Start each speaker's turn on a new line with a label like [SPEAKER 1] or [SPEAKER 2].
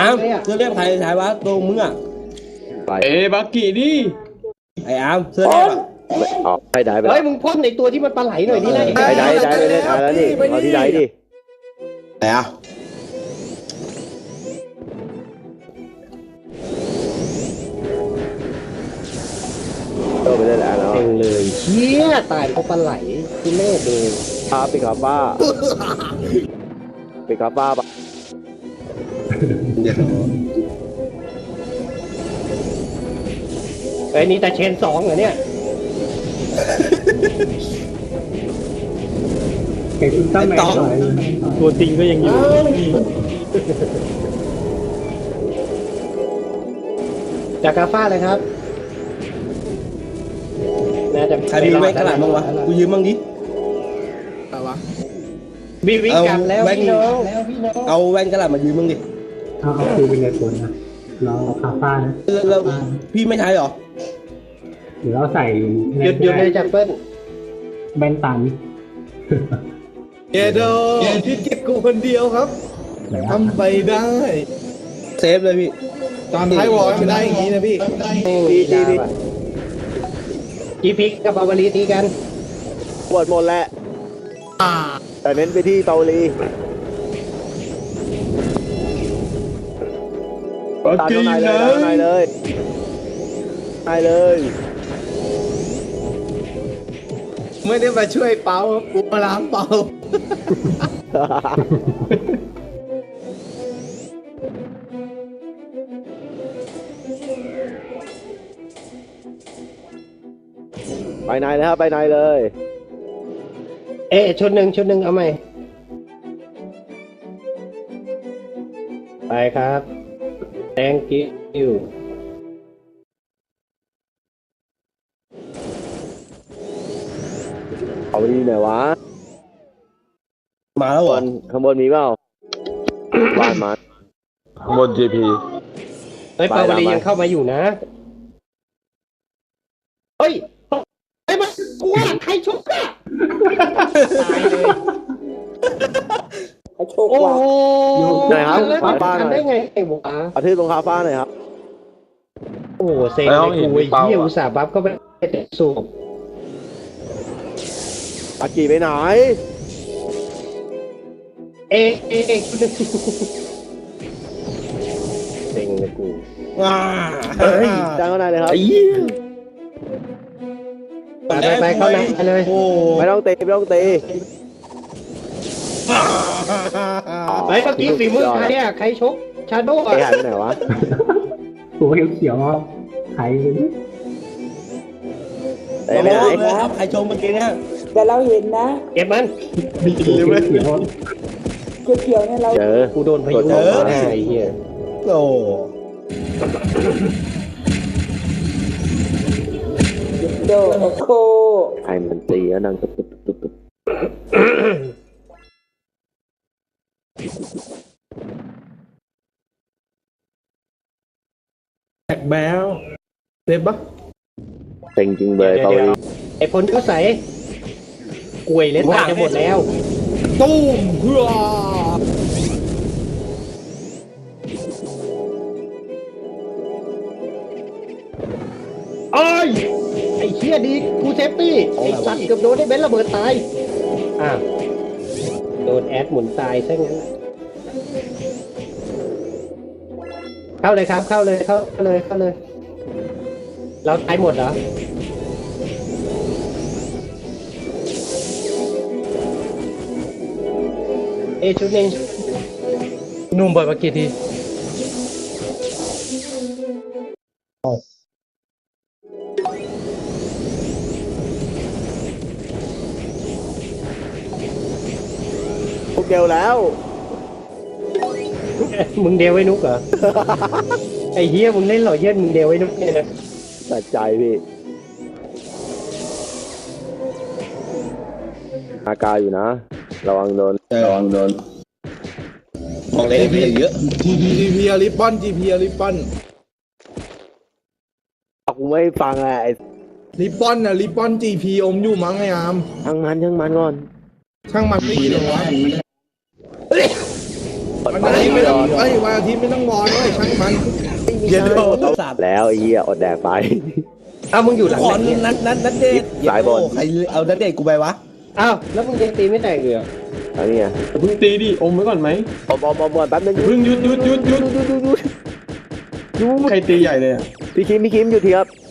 [SPEAKER 1] อาร์มเสื้อเรียบใครใช้วะตัวมึงอ่ะ
[SPEAKER 2] ไป
[SPEAKER 3] บักกี้ดิ
[SPEAKER 1] ไอ้อาร์มเสื้อเรียบอ่ะ
[SPEAKER 2] ออกให้ได้ไป
[SPEAKER 4] เฮ้ยมึงพ่นในตัวที่มันปลาไหลหน่อยนี่นะ
[SPEAKER 2] ได้ไปเล่นแล้วนี่เอาที่ได้ดิ
[SPEAKER 1] ไหนอ่ะ
[SPEAKER 2] โตไปเล่นแล้ว
[SPEAKER 4] เองเลยเชี่ยตายเพราะปลาไหลคือเล่ดู
[SPEAKER 2] พาไปขับบ้าไปขับบ้าปะ
[SPEAKER 1] เดี๋ยว
[SPEAKER 4] ไอ้นี่แต่เชน2เหรอเนี่ย
[SPEAKER 5] เก็บอุลตร้าแมนหน่อย
[SPEAKER 3] ตัวจริงก็ยังอยู่
[SPEAKER 4] จากกาฟ้าเลยครับน่าจะ
[SPEAKER 1] ใครมีแว่นกระดาษบ้างวะกูยืมบ้างดิ
[SPEAKER 4] วิวิกันแล้วพี่น้องแล้วพี่น้อง
[SPEAKER 1] เอาแว่นกระดาษมายืมบ้างดิ
[SPEAKER 5] เอาคิวเป็นในผลนะเราเอาคาฟ้านะ
[SPEAKER 1] แล้วพี่ไม่ใช้หรอ
[SPEAKER 5] หรือเราใส่
[SPEAKER 4] หยุดเลยจากเปิ้ล
[SPEAKER 5] แบนตังค์
[SPEAKER 3] เอโดพี่เก็บกูคนเดียวครับ
[SPEAKER 5] ไหนวะ
[SPEAKER 3] ทำไปได้
[SPEAKER 1] เซฟเลยพี่
[SPEAKER 3] ตอนท้ายวอลไม่ได้อย่างนี้นะพี่
[SPEAKER 4] จีพิกกับปาวลีตีกัน
[SPEAKER 2] ปวดหมดแหละแต่เน้นไปที่เปาลีตาข้างในเลยข้างในเลยในเลย
[SPEAKER 3] ไม่ได้มาช่วยเปากูมาล้างเปา
[SPEAKER 2] ไปในเลยครับไปในเลย
[SPEAKER 4] เอ๊ะชุดหนึ่งเอาไหมไปครับ thank you
[SPEAKER 2] เอาไปดีหน่อยวะ
[SPEAKER 1] มาแล้วเหรอ
[SPEAKER 2] ข้างบนมีเปล่าบ้านมาบน GP
[SPEAKER 4] เฮ้ยปาวลียังเข้ามาอยู่นะเฮ้ยไอ้มันกลัวใครชกอะตายเลยโอ้โห
[SPEAKER 2] ไหนครับ
[SPEAKER 4] แล้ว
[SPEAKER 2] ขวาบ้านหน่อย
[SPEAKER 4] ทำได้ไงไอ้หวะ
[SPEAKER 2] เอาที่ตรงคาฟ้าหน่อยครับ
[SPEAKER 4] โอ้โหเซ็งเลยกูไอ้เหี้ยอุตส่าห์บัฟก็ไปสูบ
[SPEAKER 2] อากีไปไหน
[SPEAKER 4] เอ๊ะเซ็งเลยกู
[SPEAKER 1] ว้า
[SPEAKER 2] เฮ้ยจ้างข้างในเลยครับ
[SPEAKER 4] ไปเข้าในเลย
[SPEAKER 1] โอ้
[SPEAKER 2] ไม่ต้องตีไม่ต้องตี
[SPEAKER 4] เฮ้ยเมื่อกี้ฝีมือใครเนี่ยใครชกชาโด
[SPEAKER 2] ไอ้หายไปไหนวะ
[SPEAKER 5] ตัวเขียวๆไข่
[SPEAKER 2] เอ้ยไปไหน
[SPEAKER 1] เลยครับใครชมเมื่อกี้เนี่ย
[SPEAKER 6] แต่เราเห็นนะ
[SPEAKER 4] เก็บมัน
[SPEAKER 5] เขียว
[SPEAKER 6] เขียวๆเนี่ยเรา
[SPEAKER 2] เจอ
[SPEAKER 4] กูโดนพายุมาไอ้เหี้ย
[SPEAKER 1] โอ้
[SPEAKER 6] โดโอโค
[SPEAKER 2] ใครมันตีแล้วนั่งตุ๊บ
[SPEAKER 3] แบกแบลเซฟปะ
[SPEAKER 2] เต็งจริงเลยเปาลี
[SPEAKER 4] ไอ้พลก็ใส่กล้วยเล่นตายจะหมดแล้ว
[SPEAKER 3] ตุ้มเพื่อ
[SPEAKER 4] ไอ้เชี่ยดีกูเซฟตี้ไอ้สัตว์เกือบโดนได้เบนระเบิดตายโดนแอดหมุนตายซะงั้นเข้าเลยครับเข้าเลยเราตายหมดเหรอชุดหนึ่งนุ่มบ่อยมากี่ที
[SPEAKER 2] พวกเดียวแล้ว
[SPEAKER 4] มึงเดวไว้นุกเหรอ ไอ้เหี้ยมึงเล่นหล่อเย็นมึงเดวไว้นุกเนี่ยนะ
[SPEAKER 2] ตัดใจพี่อากาอยู่นะระวังโดน
[SPEAKER 1] ระวังโดนบอกเลยพี่เยอะ
[SPEAKER 3] GP อลิปอน GP อลิปอน
[SPEAKER 2] กูไม่ฟังแหละไอ้
[SPEAKER 3] ลิปอนน่ะลิปอน GP อมอยู่มั้งไอ้อาม
[SPEAKER 2] ช่างมันก่อน
[SPEAKER 3] ช่างมันไม่เกี่ยววะ
[SPEAKER 2] กด
[SPEAKER 3] วันอาทิตย์ไม่ต้องวันอาทิตย์ไม่ต้องนอนเลยช่างมันเย็นโด
[SPEAKER 1] สัตว์
[SPEAKER 2] แล้วไอ้เหี้ยอดแดกไป
[SPEAKER 4] อ้าวมึงอยู่หลัง
[SPEAKER 1] ขอ
[SPEAKER 4] ไหนเนี่ย
[SPEAKER 1] นัดเดท
[SPEAKER 2] สายบน
[SPEAKER 1] ใครเอานัดเดทกูไปวะ
[SPEAKER 4] อ้าวแล้วมึงยังตีไม่แตกเลยเหรอ
[SPEAKER 2] อันนี้ไง
[SPEAKER 7] เพิ่งตีดิอมไว้ก่อนไหม
[SPEAKER 2] อมแป๊บนึง
[SPEAKER 7] เพิ่งหยุด
[SPEAKER 2] ดู
[SPEAKER 7] ใครตีใหญ่เลยอ่ะ
[SPEAKER 2] พี่คิมอยู่ทีครับ